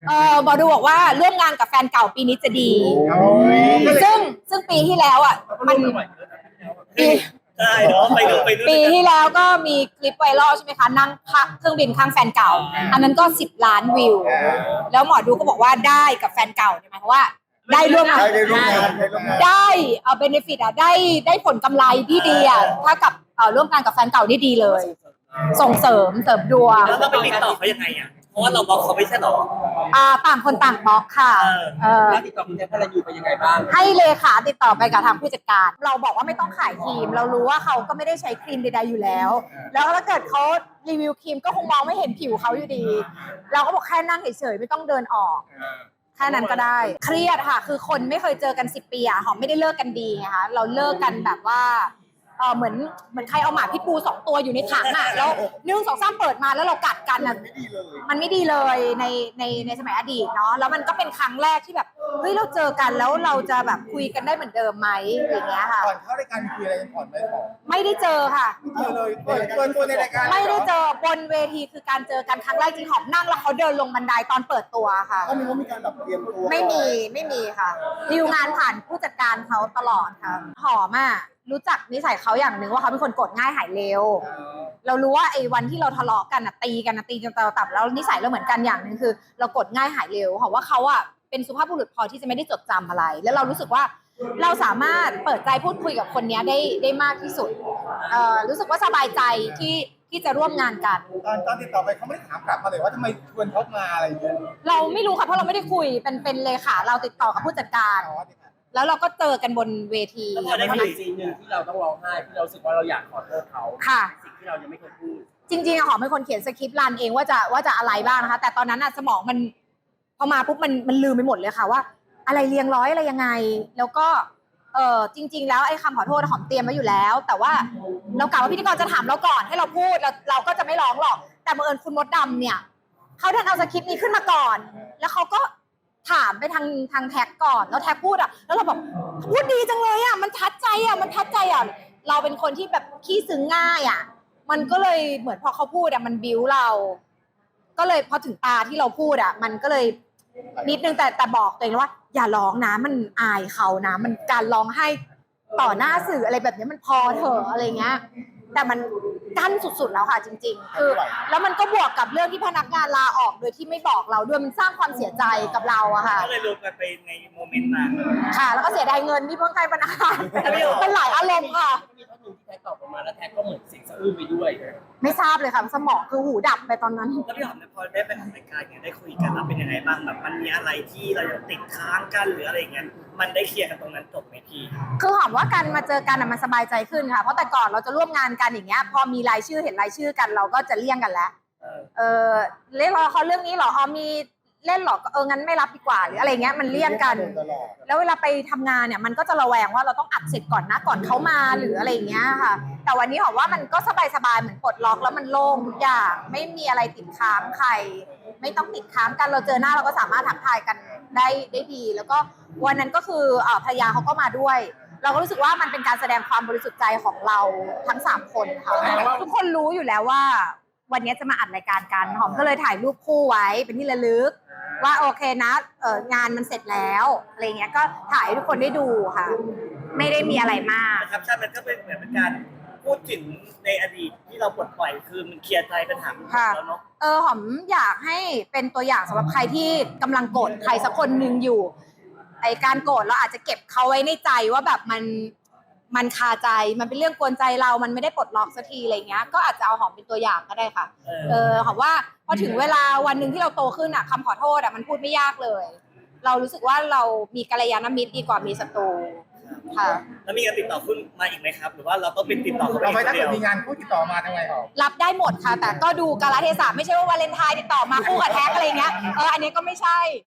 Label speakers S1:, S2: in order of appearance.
S1: หมอดูบอกว่าร่วมงานกับแฟนเก่าปีนี้จะดี ซึ่งปีที่แล้วอ่ะมันปี
S2: ใช่เนาะไปดู
S1: ปีที่แล้วก็มีคลิปไวรัลใช่ไหมคะนั่งเครื่องบินข้างแฟนเก่าอันนั้นก็10 ล้านวิวแล้วหมอดูก็บอกว่าได้กับแฟนเก่าหมายความว่าได้ร่วมงานได้เบเนฟิตอ่ะได้ผลกำไรที่ดีอ่ะถ้ากับร่วมงานกับแฟนเก่าได้ดีเลยส่งเสริมดวง
S2: แล้วเราไปติดต่อเขายังไงอ่ะเพราะว่าเราบล็อกเขาไม่ใช่หรอ
S1: ต่างคนต่างบล็อกค่ะ
S3: แล้วติดต่อคุณแจ็คพระรันยูไปยังไงบ้าง
S1: ให้เลขาติดต่อไปกับทางผู้จัดการเราบอกว่าไม่ต้องขายครีมเรารู้ว่าเขาก็ไม่ได้ใช้ครีมใดๆอยู่แล้วแล้วถ้าเกิดเขารีวิวครีมก็คงมองไม่เห็นผิวเขาอยู่ดีเราก็บอกแค่นั่งเฉยๆไม่ต้องเดินออกแค่นั้นก็ได้เครียดค่ะคือคนไม่เคยเจอกัน10 ปีหอมไม่ได้เลิกกันดีไงคะเราเลิกกันแบบว่าเหมือนใครเอาหมาพิษบู2 ตัวอยู่ในถังแล้ว1 2 3เปิดมาแล้วเรากัดกันมันไม่ดีเลยในสมัยอดีตเนาะแล้วมันก็เป็นครั้งแรกที่แบบเฮ้ยเราเจอกันแล้วเราจะแบบคุยกันได้เหมือนเดิมไหมอย่างเงี้ยค่ะ
S4: ก่อนเข้ารายการคุยอะไรกันก่อนไหมก่อน
S1: ไม่ได้เจอค่ะ
S4: เจอเลยตัวในรายการ
S1: ไม่ได้เจอบนเวทีคือการเจอกันครั้งแรกจริงหอมนั่งแล้วเขาเดินลงบันไดตอนเปิดตัวค่ะ
S4: ก็มีการแบบเตรียมตัว
S1: ไม่มีค่ะดีลงานผ่านผู้จัดการเขาตลอดค่ะหอมรู้จักนิสัยเขาอย่างหนึ่งว่าเขาเป็นคนโกรธง่ายหายเร็วเรารู้ว่าไอ้วันที่เราทะเลาะกันตีจนตาตับแล้วนิสัยเราเหมือนกันอย่างหนึ่งคือเราโกรธง่ายหายเร็วเพราะว่าเขาเป็นสุภาพบุรุษพอที่จะไม่ได้จดจำอะไรแล้วเรารู้สึกว่าเราสามารถเปิดใจพูดคุยกับคนนี้ได้มากที่สุดรู้สึกว่าสบายใจที่จะร่วมงานกัน
S4: ตอนติดต่อไปเขาไม่ได้ถามกลับมาเลยว่าทำไมชวนเขามาอะไรอย่างเงี้ย
S1: เราไม่รู้ค่ะเพราะเราไม่ได้คุยเป็นเลขาเราติดต่อกับผู้จัดการแล้วเราก็เจอกันบนเวที
S3: แล้วพอได้มีซีนหนึ่งที่เราต้องร้องไห้ที่เรารู้สึกว่าเราอยากขอโทษเขา
S1: ค่ะ
S3: สิ่งที่เรายังไม่เคยพูด
S1: จริงๆหอมเป็นคนเขียนสคริปต์รันเองว่าจะอะไรบ้างนะคะแต่ตอนนั้นสมองมันพอมาปุ๊บมันลืมไปหมดเลยค่ะว่าอะไรเรียงร้อยอะไรยังไงแล้วก็จริงๆแล้วไอ้คำขอโทษหอมเตรียมไว้อยู่แล้วแต่ว่าเรากะว่าพิธีกรจะถามเราก่อนให้เราพูดเราก็จะไม่ร้องหรอกแต่บังเอิญคุณมดดำเนี่ยเขาดันเอาสคริปต์นี้ขึ้นมาก่อนแล้วเขาก็ถามไปทางแท็กก่อนแล้วแท็กพูดแล้วเราบอกพูดดีจังเลยมันทัดใจเราเป็นคนที่แบบขี้ซึ้งง่ายมันก็เลยเหมือนพอเขาพูดมันบิ้วเราก็เลยพอถึงตาที่เราพูดมันก็เลยนิดนึงแต่บอกตัวเองว่าอย่าร้องนะมันอายเขานะมันการร้องให้ต่อหน้าสื่ออะไรแบบนี้มันพอเถอะอะไรเงี้ยแต่มันกั้นสุดๆแล้วค่ะจริงๆคือแล้วมันก็บวกกับเรื่องที่พนักงานลาออกโดยที่ไม่บอกเราด้วยมันสร้างความเสียใจกับเราค่ะ
S2: ก็เลยรวมกันไปในโมเมนต์นั้น
S1: ค่ะแล้วก็เสียดายเงินที่เพิ่งให้พนักงานเป็นหลายอารมณ์ค่ะ
S3: มีท่อนหนึ่งที่แท็กตอบออกมาแล้วแท็กก็เหมือนเสียงสะอื้นไปด้วย
S1: ไม่ทราบเลยค่ะสมองคือหูดับไปตอนนั้น
S2: แล้วพี่หอมพอได้ไปทำรายการได้คุยกันแล้วเป็นยังไงบ้างแบบมันมีอะไรที่เรายังติดค้างกันหรืออะไรเงี้ยมันได้เคลียร์กันตรงนั้นจบไหมพี่
S1: คือหอมว่าการมาเจอกันมันสบายใจขึ้นค่ะเพราะแต่ก่อนเราจะร่วมงานกันอย่างเงี้ยพอมีรายชื่อเห็นรายชื่อกันเราก็จะเลี่ยงกันแล้วเล่นรอเขาเรื่องนี้หรอมีเล่นหรองั้นไม่รับดีกว่าหรืออะไรเงี้ยมันเลี่ยงกันแล้วเวลาไปทำงานเนี่ยมันก็จะระแวงว่าเราต้องอัดเสร็จก่อนนะก่อนเขามาหรืออะไรเงี้ยค่ะแต่วันนี้หอมว่ามันก็สบายๆเหมือนปลดล็อกแล้วมันโล่งทุกอย่างไม่มีอะไรติดค้างใครไม่ต้องติดค้างกันเราเจอหน้าเราก็สามารถทักทายกันได้ดีแล้วก็วันนั้นก็คือภรรยาเขาก็มาด้วยเราก็รู้สึกว่ามันเป็นการแสดงความบริสุทธิ์ใจของเราทั้ง3คนค่ะทุกคนรู้อยู่แล้วว่าวันนี้จะมาอัดรายการกันหอมก็เลยถ่ายรูปคู่ไว้เป็นที่ระลึกว่าโอเคนะงานมันเสร็จแล้วอะไรเงี้ยก็ถ่ายให้ทุกคนได้ดูค่ะไม่ได้มีอะไรมาก
S2: นะครับใช่มันก็เป็นเหมือนเป็นการพูดถึงในอดีตที่เราปลดปล่อยคือมันเคลียร์ใจปัญหาแล้วเนาะ
S1: หอมอยากให้เป็นตัวอย่างสำหรับใครที่กำลังโกรธใครสักคนหนึ่งอยู่ไอการโกรธเราอาจจะเก็บเขาไว้ในใจว่าแบบมันคาใจมันเป็นเรื่องกวนใจเรามันไม่ได้ปลดล็อกสักทีอะไรเงี้ยก็อาจจะเอาหอมเป็นตัวอย่างก็ได้ค่ะหอมว่าพอถึงเวลาวันหนึ่งที่เราโตขึ้นคำขอโทษมันพูดไม่ยากเลยเรารู้สึกว่าเรามีกัลยาณมิตรดีกว่ามีศัตรูค่ะ
S2: แล้วมีการติดต่อคุณมาอีกไหมครับหรือว่าเราต้องเป็นติดต่อเขา
S4: ไปถ้าเกิดมีงานคู่ติดต่อมาทำไงหรอ
S1: รับได้หมดค่ะแต่ก็ดูกาลเทศะไม่ใช่ว่าวาเลนไทน์ติดต่อมาคู่กับแท็กอะไรเงี้ยอันนี้ก็ไม่ใช่